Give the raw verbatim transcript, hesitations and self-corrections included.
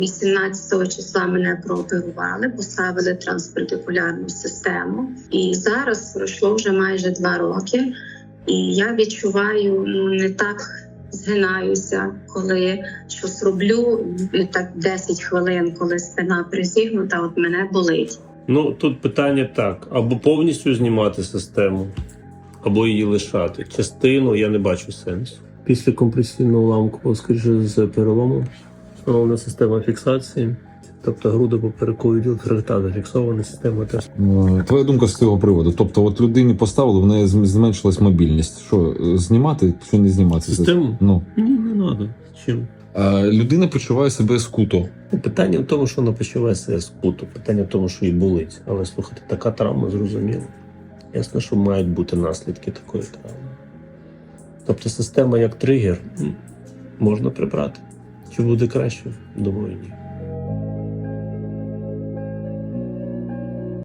вісімнадцятого числа мене прооперували, поставили транспортикулярну систему. І зараз пройшло вже майже два роки. І я відчуваю, ну, не так згинаюся, коли щось роблю, і так десять хвилин, коли спина призігнута, от мене болить. Ну, тут питання так, або повністю знімати систему, або її лишати. Частину я не бачу сенсу. Після компресійного уламку, скоріше з перелому, встановлена система фіксації, тобто грудо-поперековий відділ хребта зафіксована, система теж. Твоя думка з цього приводу? Тобто, от людині поставили, в неї зменшилась мобільність. Що, знімати чи не знімати? Систему? Ну. Ні, не треба. Чим? А людина почуває себе скуто. Питання в тому, що вона почуває себе скуто. Питання в тому, що їй болить. Але, слухайте, така травма зрозуміла. Ясно, що мають бути наслідки такої травми. Тобто система як тригер можна прибрати. Чи буде краще? Думаю, ні.